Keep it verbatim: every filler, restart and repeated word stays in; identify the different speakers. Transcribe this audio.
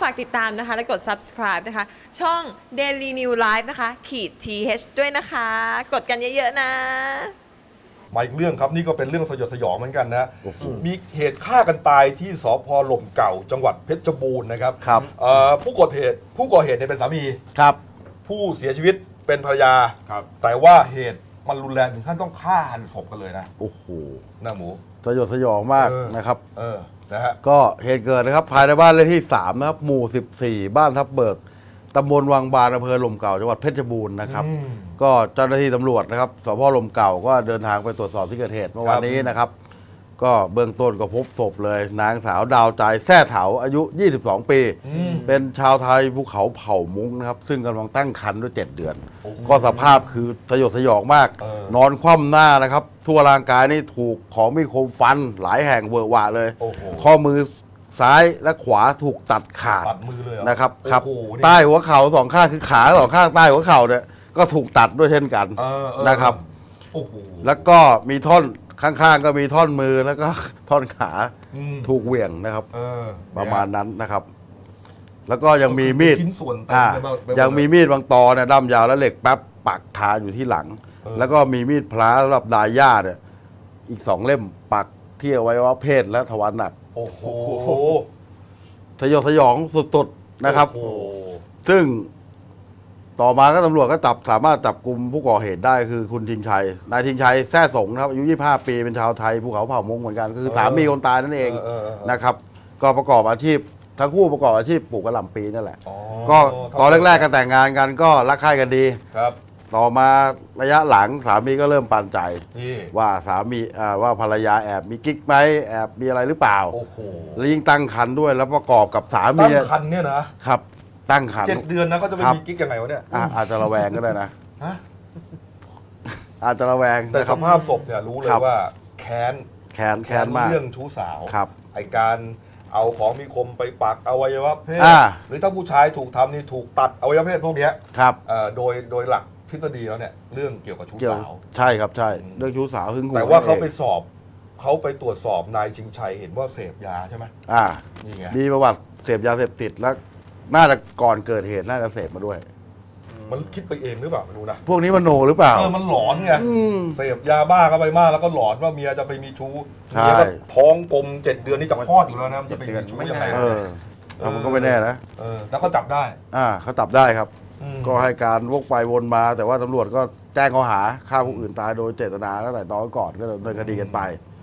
Speaker 1: ากติดตามนะคะและกด ซับสไครบ์ นะคะช่อง Daily New Life นะคะขีด ที เอช ด้วยนะคะกดกันเยอะๆนะ
Speaker 2: มาอีกเรื่องครับนี่ก็เป็นเรื่องสยดสยองเหมือนกันนะมีเหตุฆ่ากันตายที่สภ.หล่มเก่าจังหวัดเพชรบูรณ์นะครับ
Speaker 3: ครับ
Speaker 2: ผู้ก่อเหตุผู้ก่อเหตุเนี่ยเป็นสามี
Speaker 3: ครับ
Speaker 2: ผู้เสียชีวิตเป็นภรรยา
Speaker 3: ครับ
Speaker 2: แต่ว่าเหตุมันรุนแรงถึงขั้นต้องฆ่าหันศพกันเลยนะ
Speaker 3: โอ้โห
Speaker 2: หน้าหมู
Speaker 3: สยดสยองมากนะครับ
Speaker 2: เออนะฮะ
Speaker 3: ก็เหตุเกิดนะครับภายในบ้านเลขที่สามนะครับหมู่สิบสี่บ้านทับเบิกตำบลวังบานอำเภอหล่มเก่าจังหวัดเพชรบูรณ์นะครับก็เจ้าหน้าที่ตำรวจนะครับสพหล่มเก่าก็เดินทางไปตรวจสอบที่เกิดเหตุเมื่อวานนี้นะครับก็เบื้องต้นก็พบศพเลยนางสาวดาวใจแท้เถาอายุยี่สิบสองปีเป็นชาวไทยภูเขาเผ่ามุ้งนะครับซึ่งกำลังตั้งครรภ์ด้วยเจ็ดเดือนก็สภาพคือสยดสยองมากนอนคว่ำหน้านะครับทั่วร่างกายนี่ถูกของมีคมฟันหลายแห่งเวอะหวะเลยข้อมือซ้ายและขวาถูกตัดขาดนะครับครับใต้หัวเข่าสองข้างคือขาสองข้างใต้หัวเข่าเนี่ยก็ถูกตัดด้วยเช่นกันนะครับแล้วก็มีท่อนข้างๆก็มีท่อนมือแล้วก็ท่อนขาถูกเหวี่ยงนะครับประมาณนั้นนะครับแล้วก็ยังมีมีดยังมีมีดบางตอเนี่ยด้ามยาวและเหล็กแป๊บปักคาอยู่ที่หลังแล้วก็มีมีดพลาสำหรับดายย่าเนี่ยอีกสองเล่มปักที่อวัยวะเพศและทวารหนัก
Speaker 2: โอ้โห
Speaker 3: สยดสยองสุดๆนะครับซึ่งต่อมาก็ตำรวจก็จับสามารถจับกลุ่มผู้ก่อเหตุได้คือคุณทิงชัยนายทิงชัยแท้สงนะครับอายุยี่สิบห้าปีเป็นชาวไทยภูเขาเผ่ามงเหมือนกันคือสามีคนตายนั่นเองนะครับก็ประกอบอาชีพทั้งคู่ประกอบอาชีพปลูกกระหล่ำปีนั่นแหละก็ตอนแรกๆกันแต่งงานกันก็รักใคร่กันดี
Speaker 2: ครับ
Speaker 3: ต่อมาระยะหลังสามีก็เริ่มปันใจว่าสามีว่าภรรยาแอบมีกิ๊กไหมแอบมีอะไรหรือเปล่าแล้วยิ่งตั้งครรภ์ด้วยแล้วประกอบกับสามี
Speaker 2: ตั้งครรภ์เนี่ยนะครับ
Speaker 3: ตั้งครรภ์
Speaker 2: เจ็ดเดือนนะเขาจะไปมีกิ๊กยังไงวะเนี่ย
Speaker 3: อาจจะระแวงก็ได้นะอาจจะระแวง
Speaker 2: แต่สภาพศพเนี่ยรู้เลยว่าแค้น
Speaker 3: แค้นแค้นมาก
Speaker 2: เรื่องชู้สาว
Speaker 3: ครับ
Speaker 2: ไอการเอาของมีคมไปปักอวัยวะเพศหรือถ้าผู้ชายถูกทำนี่ถูกตัดอวัยวะเพศพวกนี้
Speaker 3: ครับ
Speaker 2: โดยโดยหลักทฤษฎีแล้วเนี่ยเรื่องเกี่ยวกับชู้สาว
Speaker 3: ใช่ครับใช่เรื่องชู้สาวหึงหวง
Speaker 2: แต่ว่าเขาไปสอบเขาไปตรวจสอบนายชิงชัยเห็นว่าเสพยาใช่ไหม
Speaker 3: อ่ามีประวัติเสพยาเสพติดแล้วน่าจะก่อนเกิดเหตุน่าจะเสพมาด้วย
Speaker 2: มันคิดไปเองหรือเปล่าไม่รู้นะ
Speaker 3: พวกนี้มันโนหรือเปล่า
Speaker 2: เออมันหลอนไงเสพยาบ้าเข้าไปมากแล้วก็หลอนว่าเมียจะไปมีชู้เมียก็ท้องกลมเจ็ดเดือนนี่จะคลอดอยู่แล้วนะจะไปมีชู้ยังไง
Speaker 3: เออมันก็ไม่แน่นะ
Speaker 2: เออแล้วก็จับได้
Speaker 3: อ่าเขาจับได้ครับก็ให้การวกไปวนมาแต่ว่าตำรวจก็แจ้งข้อหาฆ่าผู้อื่นตายโดยเจตนาตั้งแต่ตอนก่อนก็ดำเนินคดีกันไป